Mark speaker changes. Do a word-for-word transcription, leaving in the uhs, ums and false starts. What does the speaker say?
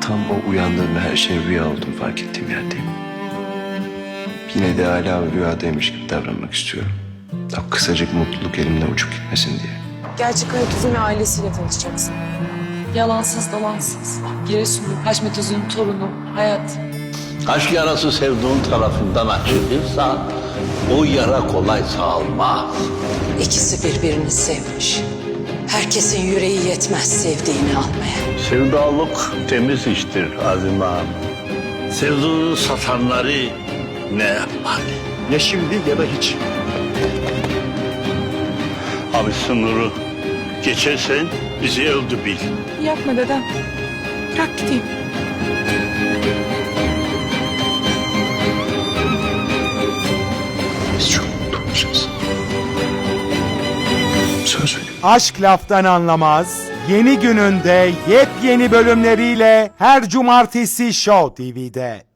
Speaker 1: Tam o uyandığımda her şey rüya olduğunu fark ettiğim yerdeyim. Yine de hala rüyadaymış gibi davranmak istiyorum. O kısacık mutluluk elimden uçup gitmesin diye.
Speaker 2: Gerçek Hayat Uzun ve ailesiyle tanışacaksın.
Speaker 3: Yalansız dalansız. Giresunlu Haşmet Özün'ün torunu Hayat.
Speaker 4: Aşk yarası sevdiğin tarafından açılırsa o yara kolay sağılmaz.
Speaker 5: İkisi birbirini sevmiş. Herkesin yüreği yetmez sevdiğini almaya.
Speaker 4: Sevdalık temiz iştir Azime Hanım. Sevdiğini satanları ne yapar?
Speaker 1: Ya şimdi ya da hiç.
Speaker 4: Abi sınırı geçersen bizi öldü bil.
Speaker 3: Yapma dedem. Bırak gideyim.
Speaker 1: Biz çok mutlu olacağız. Söz veriyorum.
Speaker 6: Aşk Laftan Anlamaz yeni gününde yepyeni bölümleriyle her cumartesi Show T V'de.